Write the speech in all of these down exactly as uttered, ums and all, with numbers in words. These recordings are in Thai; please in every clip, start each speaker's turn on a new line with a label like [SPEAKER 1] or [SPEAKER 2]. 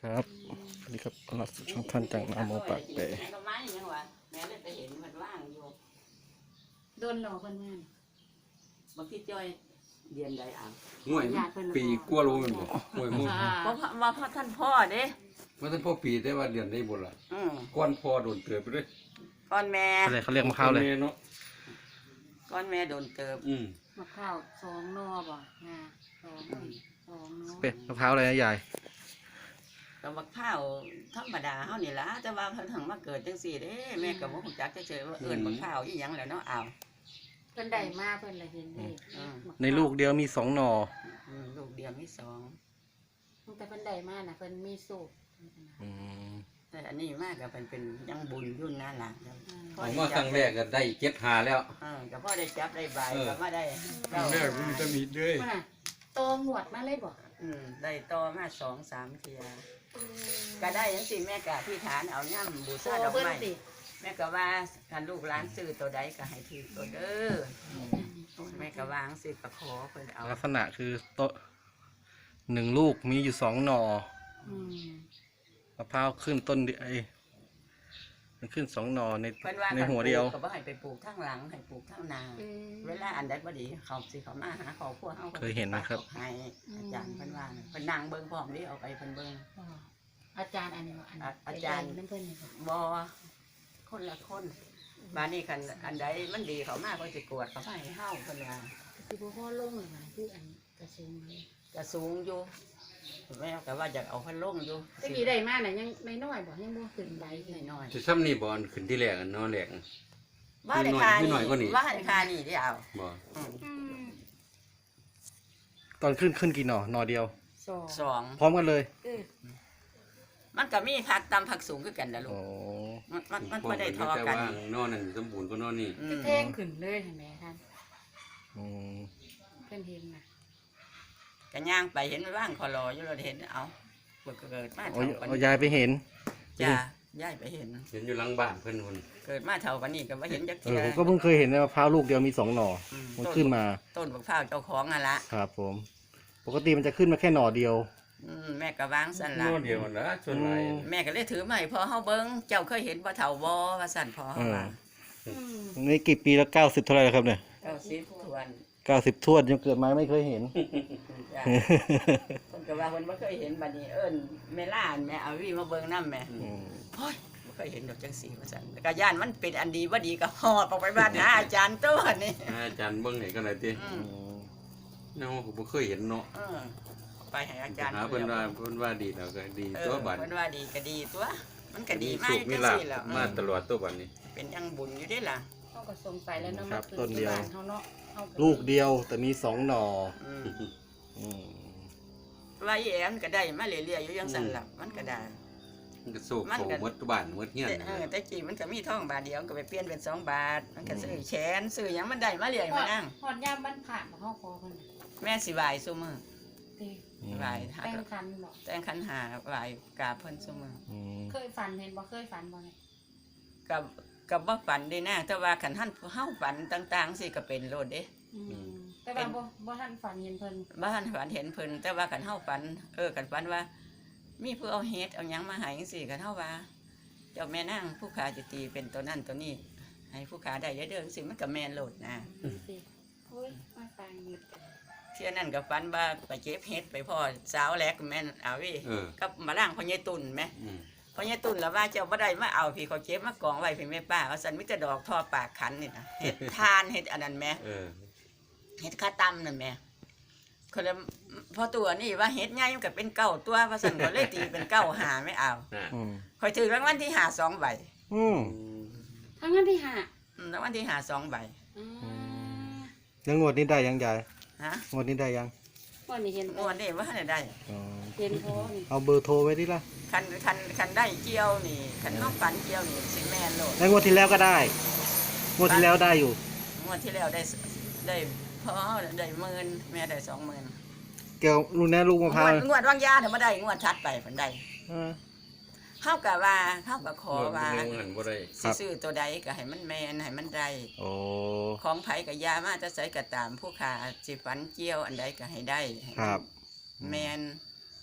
[SPEAKER 1] ครับสวัสดีครับต้อนรับสู่ช่องท่านจากนาโมปากเปะ
[SPEAKER 2] ก็ไม้ยังวะแม่เลยไปเห็นมันว่างอยู่
[SPEAKER 3] โดนหลอกคนงาน
[SPEAKER 2] บางทีจ้อยเรียนใดอ่ะ
[SPEAKER 4] ห่วยปีกลัวรู้มันบ่ห่วยมุ่ง
[SPEAKER 2] เพราะว่าพ่อท่านพ่อเด้
[SPEAKER 4] มันท่านพ่อปีแต่ว่าเดือนได้บ่ล่ะ
[SPEAKER 2] อืม
[SPEAKER 4] ก้อนพ่อโดนเตือนไปเลย
[SPEAKER 2] ก้อนแม่
[SPEAKER 1] อะไรเขาเรียกมะพร้าวเลย
[SPEAKER 4] เนาะ
[SPEAKER 2] ก้อนแม่โดนเติบ
[SPEAKER 4] อืม
[SPEAKER 3] มะพร้าวสองนอบ่งาสองสองนอ
[SPEAKER 1] เป็นมะพร้าวอะไรนะยาย
[SPEAKER 2] กับบักข้าวธรรมดาเฮานี่ล่ะแต่ว่าเพิ่นถึงมาเกิดจังซี่เด้แม่ก็บ่ฮู้จักเฉยๆว่าเอิ้นบักข้าวอีหยังแหล้วเนาะอ้าว
[SPEAKER 3] เพิ่นได้มาเพิ่นละเห็นเด็ก
[SPEAKER 1] ในลูกเดียวมีสองหน่อ
[SPEAKER 2] อืมลูกเดียวมีสอง
[SPEAKER 3] แต่เพิ่นได้มาน่ะเพิ่นมีสูตร
[SPEAKER 1] อืม
[SPEAKER 2] แต่อันนี้มากก็เป็นเป็นยังบุญยุ่นนั่นล่ะ
[SPEAKER 4] ออกมาครั้งแรกก็ได้เจ็ดหาแล้ว
[SPEAKER 2] เออก็พอได้จับได้ใบก็มาได้
[SPEAKER 4] ครั้งแรกมันจะมีด้วย
[SPEAKER 3] ว่าน่ะโตหนวดมาเลยบ่
[SPEAKER 2] อืมได้ต่อมาสองสามเทียก็ได้จังซี่แม่ก็ที่ฐานเอาย่ำบู
[SPEAKER 3] โต
[SPEAKER 2] ชาดอก
[SPEAKER 3] เพิ่น
[SPEAKER 2] ไม้
[SPEAKER 3] สิ
[SPEAKER 2] แม่ก็ว่าคันลูกหลานซื้อตัวใดก็ให้ถือตัวเด้อแม่ก็วางสิก็ขอเพิ่นเอา
[SPEAKER 1] ลักษณะคือโตะหนึ่งลูกมีอยู่สองหน่อ
[SPEAKER 3] อืม
[SPEAKER 1] มะพร้าวขึ้นต้นเดียวไอ้มันขึ้นสองหน่อใน
[SPEAKER 2] เพิ่นว่า
[SPEAKER 1] ในหัวเดียว
[SPEAKER 2] ก็บ่ให้ไปปลูกข้างหลังให้ปลูกข้างหน้า
[SPEAKER 3] อืม
[SPEAKER 2] เวลาอันใดบ่ดีเขาสิเขามาหาเขาพวกเฮา
[SPEAKER 1] เคยเห็นไหมครับ
[SPEAKER 2] ให้อาจารย์เพิ่นว่าน่ะเพิ่นนั่งเบิ่งพร้อมนี่เอาไปเพิ่นเบิ่ง
[SPEAKER 3] อ๋ออาจารย์อันนี้บ่อัน
[SPEAKER 2] อ่ะอาจารย์
[SPEAKER 3] น้ำเพิ่นนี่บ่
[SPEAKER 2] บ่คนละคนบาดนี้คันอันใดมันดีเขามาเพิ่นสิกวดเขามาให้เฮาเพิ่นว่า
[SPEAKER 3] สิบ่พอลงเลยว่าคืออันกระซุงเลย
[SPEAKER 2] จะสูงอยู่แม่ก็ว่าอยากเอาพันลงอยู่
[SPEAKER 3] ตะกี้ได้มาน่ะยังน้อยๆบ่ยังบ่ขึ้นใบขึ้น
[SPEAKER 2] น้อย
[SPEAKER 4] จะซ้ำนี่บ่อนขึ้นที่แรกอันเนาะแรก
[SPEAKER 2] ๆว่าในคา
[SPEAKER 4] นิดหน่อยกว่านี้
[SPEAKER 2] ว่าในคานี่ที่เอา
[SPEAKER 4] บ่
[SPEAKER 2] อืม
[SPEAKER 3] อืม
[SPEAKER 1] ตอนขึ้นขึ้นกี่หน่อหน่อเดียว
[SPEAKER 3] สอง
[SPEAKER 2] สอง
[SPEAKER 1] พร้อมกันเลย
[SPEAKER 3] เออ
[SPEAKER 2] มันก็มีผักตำผักสูงคือกันนะลู
[SPEAKER 1] โอ้
[SPEAKER 2] กมันมันมันไม่ได้ทอ
[SPEAKER 4] แต่
[SPEAKER 2] กัน
[SPEAKER 4] ว่านอนนั่นสมบูรณ์ก็นอนนี่
[SPEAKER 2] อืม
[SPEAKER 3] แท่งขึ้นเลยเห็นไหมท่าน
[SPEAKER 1] อืม
[SPEAKER 3] เพิ่นเห็นน่ะ
[SPEAKER 2] ก็ย่างไปเห็นมันว่างคอรออยู่เราเห็นเอาเกิดเกิดมา
[SPEAKER 1] เอา
[SPEAKER 2] เท่ากัน
[SPEAKER 1] เอายายไปเห็น
[SPEAKER 2] จ้าย่ายไปเห็น
[SPEAKER 4] เห็นอยู่หลังบ้านเพิ่นคน
[SPEAKER 2] เกิดมาเท่ากันนี่ก็ว่าเห็นจัก
[SPEAKER 1] เอ
[SPEAKER 2] เที
[SPEAKER 1] อย ผมก็เพิ่งเคยเห็นนะมะพร้าวลูกเดียวมีสองหน่อ
[SPEAKER 2] อืม
[SPEAKER 1] มัน
[SPEAKER 2] ต้น
[SPEAKER 1] ขึ้นมา
[SPEAKER 2] ต้นบักพร้าวเจ้าของอ่ะละ
[SPEAKER 1] ครับผม ปกติมันจะขึ้นมาแค่หน่อเดียว
[SPEAKER 2] อืมแม่ก็วางสั่นละ
[SPEAKER 4] นอนเดียวนะส่วนหลาย
[SPEAKER 2] แม่ก็เลยถือมาให้พ่อเฮาเบิ่งเจ้าเคยเห็นบ่เฒ่าบ่ว่าสั่นพ่อเฮาว่า
[SPEAKER 3] อืม
[SPEAKER 1] นี่กี่ปีแล้วเก้าสิบเท่าไหร่แล้วครับเนี่ย
[SPEAKER 2] เก้าสิบทวน
[SPEAKER 1] เก้าสิบทวดยังเกิดมาไม่เคยเห็น
[SPEAKER 2] จ้ะ คนก็ว่าคนบ่เคยเห็นบัดนี้เอิ้นแม่ล่านแม่เอาวีมาเบิ่งนำแม่
[SPEAKER 1] อืม
[SPEAKER 2] โอ้ยบ่เคยเห็นดอกจังซี่ว่าซั่นก็ย่านมันเป็นอันดีบ่ดีก็ฮอดออกไปบ้านหาอาจารย์ตัวนี่
[SPEAKER 4] อาจารย์เบิ่งให้กันหน่อยติ
[SPEAKER 2] อื
[SPEAKER 1] อื
[SPEAKER 2] ม
[SPEAKER 1] ม
[SPEAKER 4] เนาะผมบ่เคยเห็นเนาะ
[SPEAKER 2] เออไปให้อาจารย์
[SPEAKER 4] หาเพิ่นว่าเพิ่นว่าดีแล้วก็ดี
[SPEAKER 2] เอ
[SPEAKER 4] ตัว
[SPEAKER 2] อ
[SPEAKER 4] บัด
[SPEAKER 2] เพิ่นว่าดีก็ดีตัว มันก็ดีมา
[SPEAKER 4] สุ
[SPEAKER 2] ก
[SPEAKER 4] ขมี
[SPEAKER 2] จัง
[SPEAKER 4] ลาภ
[SPEAKER 2] ซี่แหล้ว
[SPEAKER 4] มาตลอดตัวบัดนี้
[SPEAKER 2] เป็นยังบุญอยู่เด้ล่ะ
[SPEAKER 3] เขาก็ส่งไปแล้วเนาะมาเกิดที่บ้านเขาเนาะเขา
[SPEAKER 1] ลูกเดียวแต่มีสองหน่อ
[SPEAKER 2] อืม
[SPEAKER 1] อืม
[SPEAKER 2] ว่าอีแอมก็ได้มาเรื่อยๆอยู่จังซั่นล่ะมันก็ได้
[SPEAKER 4] มันก็สู้เขาหมดบ้านหมดเฮียน
[SPEAKER 2] แต่เออแต่กี้มันก็มีทองบาทเดียวก็ไปเปลี่ยนเป็นสองบาท มันก็ซื้อแขนซื้อหยังมันได้มาเรื่อยมานั่ง
[SPEAKER 3] หอดยามบ้านผ่านมาเขาคอเพิ่นน่ะ
[SPEAKER 2] แม่สิไหวซุมื้อ
[SPEAKER 3] เต้
[SPEAKER 2] ไหวหา
[SPEAKER 3] แต่งคันบ่
[SPEAKER 2] แต่งขันหาไหวกราบเพิ่นซุมื้อ
[SPEAKER 1] อืม
[SPEAKER 3] เคยฝันเห็นบ่เคยฝันบ่เนี่ย
[SPEAKER 2] กับกับบ่ฝันเด้นะแต่ว่าคันท่านเฮาฝันต่างๆสิก็เป็นโลดเด้
[SPEAKER 3] อืมแต่ว่าบ่บ่ทันฝันเห็นเพิ่น
[SPEAKER 2] บ้านฝันเห็นเพิ่นแต่ว่าคันเฮาฝันเออคันฝันว่า มีผู้เอาเฮ็ดเอาหยังมาให้จังซี่คันเฮาว่า เจ้าแม่นางผู้ขาจะตีเป็นตัวนั้นตัวนี้ ให้ผู้ขาได้เยอะเด้อจังซี่มันก็แม่นโลดนะ
[SPEAKER 3] สิโอ้ยมาฟังหยุด
[SPEAKER 2] เที่ยนั้นก็ฝันว่าไปเก็บเฮ็ดไปพ่อสาวแลกแม่นเอาวิ
[SPEAKER 4] เออ
[SPEAKER 2] กับมาล่างพ่อใหญ่ตุ่นแม่
[SPEAKER 4] อืม
[SPEAKER 2] พ่อใหญ่ตุ่นแล้วว่าเจ้าบ่ได้มาเอาพี่เขาเก็บมากองไว้พี่แม่ป้าเอาสันมิจะดอกทอปากขันนี่นะเฮ็ดทานเฮ็ดอันนั้นแม่
[SPEAKER 4] เออ
[SPEAKER 2] เฮ็ดข้าตํนั่นแม่คนละพอตัวนี่ว่าเฮ็ดใหญ่มันก็เป็นเก้าตัวว่าซั่นก็เลยตีเป็นเก้าหาไม่เอา
[SPEAKER 4] น่ะ
[SPEAKER 1] อืม
[SPEAKER 2] ข่อยถือรางวัลที่หาสองใบ
[SPEAKER 1] อืม
[SPEAKER 3] ทั้งนั้นที่ห้า
[SPEAKER 2] อืมรางวัลที่หาสองใบ
[SPEAKER 3] อืม
[SPEAKER 1] แล้วงวดนี้ได้ยังยาย
[SPEAKER 2] ฮะ
[SPEAKER 1] งวดนี้ได้ยัง
[SPEAKER 3] วันนี้เห็น
[SPEAKER 2] งวดนี้ว่าได้
[SPEAKER 1] อ๋อ
[SPEAKER 3] เห็นพอนี่
[SPEAKER 1] เอาเบอร์โทรไว้ดิล่ะ
[SPEAKER 2] คันคันคันได้เกี่ยวนี่คันน้องฝันเกี่ยวนี่สิแม่นโลด
[SPEAKER 1] แล้วงวดที่แล้วก็ได้ งวดที่แล้วได้อยู่
[SPEAKER 2] งวดที่แล้วได้ได้พอได้หมื่นแม่ได้สองหมื่น
[SPEAKER 1] เกี่ยวลูกแน่ลูกมะพร้าว
[SPEAKER 2] งวดวางยาเนี่ยมาได้งวดชัดไปผลได้
[SPEAKER 1] เออ
[SPEAKER 2] เข้ากับว่าเข้ากับขอว่า
[SPEAKER 4] เงินเงินบ่ได้
[SPEAKER 1] ครั
[SPEAKER 2] สิ
[SPEAKER 1] บ
[SPEAKER 2] ซื้อตัวใดก็ให้มันแมนให้มันได้
[SPEAKER 1] โอ้
[SPEAKER 2] ของไผกับยามาจะใส่กระตามผู้ขาสิฝันเกี่ยวอันใดก็ให้ได้ให้มัน
[SPEAKER 1] ครับ
[SPEAKER 2] แมน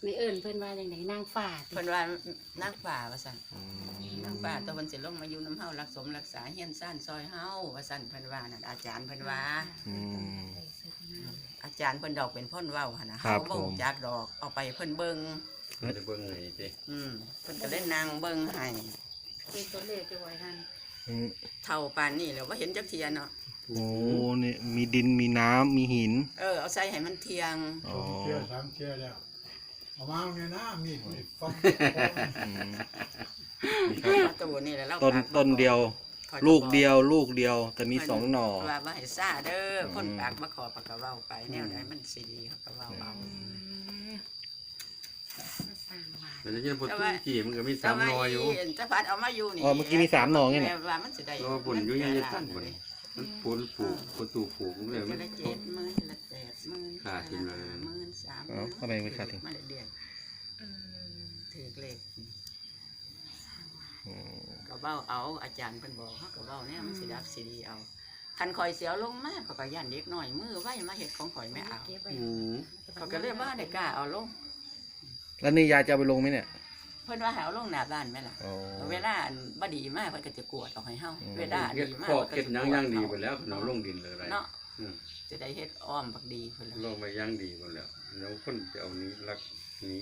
[SPEAKER 3] ในเอิ้นเพิ่นว่าจังไดนางฟ้าติ
[SPEAKER 2] เพิ่นว่านางฟ้าว่าซั่น
[SPEAKER 1] อืม
[SPEAKER 2] นางฟ้าตัวเพิ่นสิลงมาอยู่น้ำเฮารักสมรักษาเฮียนซ่านซอยเฮาว่าซั่นเพิ่นว่านั่นอาจารย์เพิ่นว่า
[SPEAKER 1] อืม
[SPEAKER 2] อาจารย์เพิ่นดอกเป็นพ่นเว้าหั่นน่ะ
[SPEAKER 1] ครั
[SPEAKER 2] เฮา
[SPEAKER 1] บ
[SPEAKER 2] บ่
[SPEAKER 1] ผม
[SPEAKER 2] รู้จักดอกเอาไปเพิ่นเบิ่ง
[SPEAKER 4] มันจะเบิ่งไงติ
[SPEAKER 2] อืมเพิ่นก็เล่นนางเบิ่งให้
[SPEAKER 3] เป็นตัวเลขจะไว้หั่น
[SPEAKER 1] อืม
[SPEAKER 2] เท่าปานนี้แล้วว่าเห็นจักเทียเนาะ
[SPEAKER 1] โอ้เนี่ยมีดินมีน้ำมีหิน
[SPEAKER 2] เออเอาใส่ให้มันเทียง
[SPEAKER 1] อ๋อ
[SPEAKER 5] สองเที่ยวสามเที่ยวแล้วเอามาเนี่ยนะมีดมีดฟัน
[SPEAKER 1] อืม
[SPEAKER 2] ตัวนี้แหละเรา
[SPEAKER 1] ต้น
[SPEAKER 2] ฝากมา
[SPEAKER 1] ต้นเดียว
[SPEAKER 2] ขอ
[SPEAKER 1] ลูกเดียว ลูกเดียว แต่มีสองหน่อ
[SPEAKER 2] ว่าว่าให้ซ่าเด้ออ
[SPEAKER 1] ม
[SPEAKER 2] คนปากมาขอปากกะเว้าไปแนวใดมันสิดีเขาก็เว้าเอา
[SPEAKER 3] สร้างว่า
[SPEAKER 4] มันจะเห็นพอตุ้งกี่มันก็มีสามหนออยู่
[SPEAKER 2] แต่ว่าจะพัดเอามาอยู่นี่
[SPEAKER 1] อ๋อเมื่อกี้มีสามหน่อไงเนี่ย
[SPEAKER 2] แม่ว่ามันสิได้
[SPEAKER 4] รอปุ่นอยู่ยังจะตั้งบ่นี่มันปูนปลูกประตูปลูกมันเลย
[SPEAKER 2] จะ
[SPEAKER 4] มัน
[SPEAKER 2] ได้เจ็ดหมื่นละแปดหมื่น
[SPEAKER 4] ขาดทิ้งเลย
[SPEAKER 2] หมื่นสามห
[SPEAKER 1] เอา
[SPEAKER 2] มื่น
[SPEAKER 1] ทำไมไม่ขาดทิ้ง
[SPEAKER 2] มาเดือนถือเลข
[SPEAKER 1] อืม
[SPEAKER 2] ก็เว้าเอาอาจารย์เพิ่นบอกเขาก็เว้าเนี่ยมันสิดับสิดีเอาคันข่อยเสียวลงมาเขาก็ย่านเด็กน้อยมือไว้มาเฮ็ดของข่อยไม่เอา
[SPEAKER 3] เก็บไว้
[SPEAKER 4] อืม
[SPEAKER 2] เขาก็เลยว่าได้กล้าเอาลง
[SPEAKER 1] แล้วนี่ยายจะเอาไปลงไหมเนี่ย
[SPEAKER 2] เพิ่นว่าให้เอาลงหน้าบ้านแม่ล่ะ
[SPEAKER 1] อ๋อ
[SPEAKER 2] เวลาอันบ่ดีมากเพิ่นก็จะกวดออกให้เฮา
[SPEAKER 1] อืม
[SPEAKER 2] เวลา
[SPEAKER 4] เฮ็ด
[SPEAKER 2] ดีมาก
[SPEAKER 4] ข้อ
[SPEAKER 2] พิ่นก็
[SPEAKER 4] เฮ็ด
[SPEAKER 2] จะ
[SPEAKER 4] หยัง
[SPEAKER 2] กว
[SPEAKER 4] ย่างดี
[SPEAKER 2] เอ
[SPEAKER 4] ไปแล้วเนาลงดินเลยอะไร
[SPEAKER 2] เนาะ
[SPEAKER 4] อืม
[SPEAKER 2] จะได้เฮ็ดอ้อมบักดีเพิ่น
[SPEAKER 4] ล
[SPEAKER 2] ล่ะ
[SPEAKER 4] งไปย่างดีไปแล้วแล้วคนจะเอานี้รักนี้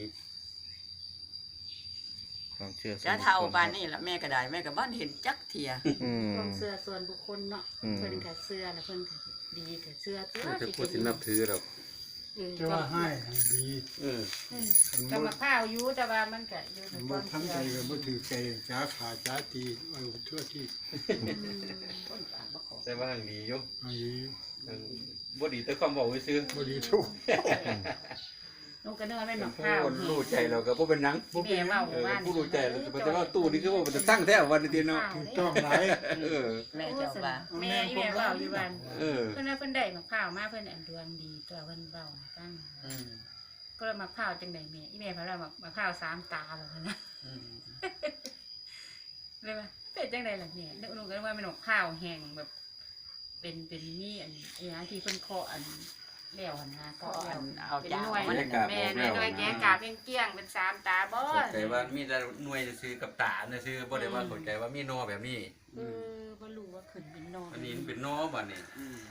[SPEAKER 1] ความเชื่อส่วน
[SPEAKER 2] จะ
[SPEAKER 1] บุคคล
[SPEAKER 2] เท่าปานนี้ล่ะแม่ก็ได้แม่ก็บ่เห็นจักเที่ย
[SPEAKER 1] อืม
[SPEAKER 3] ความเชื่อส่วนบุคคลเนาะ
[SPEAKER 1] อืม
[SPEAKER 3] เพิ่นก็เชื่อแล้วเพิ่นก็ดีก็เชื่อตัว
[SPEAKER 4] จะพูดสินับถือดอก
[SPEAKER 3] เออ
[SPEAKER 5] จะว่าให้ดี
[SPEAKER 4] เออ
[SPEAKER 3] เออก็มาข้าวอยู่แต่ว่ามันก็อยู่ในค
[SPEAKER 5] บ่
[SPEAKER 3] วาม
[SPEAKER 5] ทั้ง
[SPEAKER 3] เชื่
[SPEAKER 5] ใจ
[SPEAKER 3] อ
[SPEAKER 5] ก็บ่ถือใจจ้าขาจ้าตีเอาทั่วที่
[SPEAKER 2] คนปากบ่ขอ
[SPEAKER 4] แต่ว่าหังดีอยู่
[SPEAKER 5] อันนี้
[SPEAKER 4] หังบ่ดีแต่ความบอกซื่อ
[SPEAKER 5] บ่ดีทุก
[SPEAKER 3] ลูกก็เนื้อแม่น
[SPEAKER 4] ๆ
[SPEAKER 3] บัก
[SPEAKER 4] ผู้
[SPEAKER 3] ข้าว
[SPEAKER 4] รู้ใจเราก็บ่เป็นหยัง
[SPEAKER 3] แม่เว้า
[SPEAKER 4] เออ
[SPEAKER 3] ว่า
[SPEAKER 4] ผู้รู้ใจเราจะแต่ว่าตู้นี่คือว่ามันจะตั้งแท้วันนี้เนาะ
[SPEAKER 5] ถูกต้องหลาย
[SPEAKER 4] เออ
[SPEAKER 2] แม่เจ้าว่า
[SPEAKER 3] แม่อีแม่เว้าอยู่บ้าน
[SPEAKER 4] เออ
[SPEAKER 3] เพิ่นว่าเพิ่นได้บักข้าวมาเพิ่นอันดวงดีตัวเพิ่นเว้าให้ฟัง
[SPEAKER 2] อืม
[SPEAKER 3] ก็เลยมะพร้าวจังไดแม่อีแม่เพิ่นว่ามะมะพร้าวสามตาบ่คั่นนะ
[SPEAKER 2] อืม
[SPEAKER 3] เลยว่าเป็นจังไดล่ะแม่นึกก็ว่ามันมะพร้าวแห้งแบบ เป็นเป็นมีอันอีหยังที่เพิ่นเคาะอันแล้วหั่นนะ
[SPEAKER 2] ก็
[SPEAKER 3] เคาะ
[SPEAKER 2] อั
[SPEAKER 3] แล้ว
[SPEAKER 2] นเอา
[SPEAKER 3] เป็น
[SPEAKER 2] จ้า
[SPEAKER 3] หน่วย
[SPEAKER 2] มัน
[SPEAKER 4] แกะ
[SPEAKER 3] แม่
[SPEAKER 4] ออกแล้ว
[SPEAKER 3] หน่วย
[SPEAKER 4] นะ
[SPEAKER 3] แกะกาเป็นเกลี้ยงเป็นสามตาบ่
[SPEAKER 4] เข้าใจว่ามีแต่หน่วยจะซื้อกับตาเนี่ยซื้อบ่ได้ว่าเข้าใจว่ามีนอแบบนี้
[SPEAKER 3] เออบ่รู้ว่าขึ้นเป็นนอน
[SPEAKER 4] อันนี้มันเป็นนอบัดนี้
[SPEAKER 2] อืม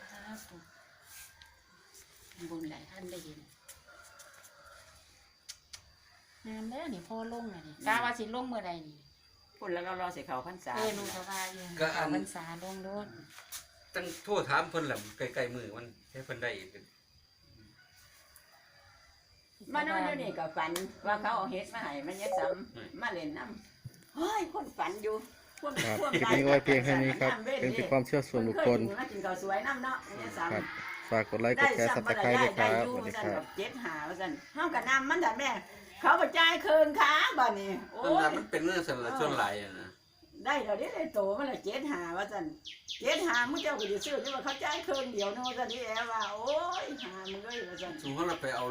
[SPEAKER 3] บุญหลายท่านได้ยินงามแล้วนี่พ่อลงน่ะนี่กาว่าสิลงเมื่อใดนี่
[SPEAKER 2] พุ่นแล้วเรารอสิเข้าพรรษา
[SPEAKER 3] เออหนูก็ว่าอยู่
[SPEAKER 4] ก็อัน
[SPEAKER 3] พรรษาลงโลด
[SPEAKER 4] ตั้งโทษถามเพิ่นแหละใกล้ๆมือมันให้เพิ่นได้อีก
[SPEAKER 2] มานอนอยู่นี่ก็ฝันว่าเขาเอาเฮ็ดมาให้มันยายซ้ำมาเล่นน้ำเฮ้ยคนฝันอยู่พวก
[SPEAKER 1] ครับ
[SPEAKER 2] พวก
[SPEAKER 1] คลิปนี้ไว้เพียงแค่นี้ครับ เป็นเพียงความเชื่อส่วนบุคคล
[SPEAKER 2] มากินข้าวสวยน้ำเนาะยายซ้ำ
[SPEAKER 1] ครับ ฝากกดไลค์ ก
[SPEAKER 2] ได้
[SPEAKER 1] ดแชร์
[SPEAKER 2] ซ้ำ
[SPEAKER 1] สับตะไคร้ด้วยค
[SPEAKER 2] ได้
[SPEAKER 1] รับ
[SPEAKER 2] อ
[SPEAKER 1] ส
[SPEAKER 2] ยู่
[SPEAKER 1] วัสดี
[SPEAKER 2] สั่น
[SPEAKER 1] ครั
[SPEAKER 2] แบบ บเจ็ดหาว่าสั่นเฮากับน้ำมันแต่แม่ เขาบ่จ่ายคืนค้าบ่นี่โอ้
[SPEAKER 4] นั่น
[SPEAKER 2] ย
[SPEAKER 4] น่ะมันเป็นเรื่องสารชนหลายอ่ะนะ
[SPEAKER 2] ได้เดี๋ยวนี้ได้โตมันละเจ็ดหาว่าสั่นเจ็ดหามึงเจ้าก็สิซื้อที่ว่าเขาจ่ายคืนเดียวนึงว่าสั่นที่แอว่าโอ้ยหามึงเอ้ยว่าสั่น
[SPEAKER 4] สมมุติเราไปเอา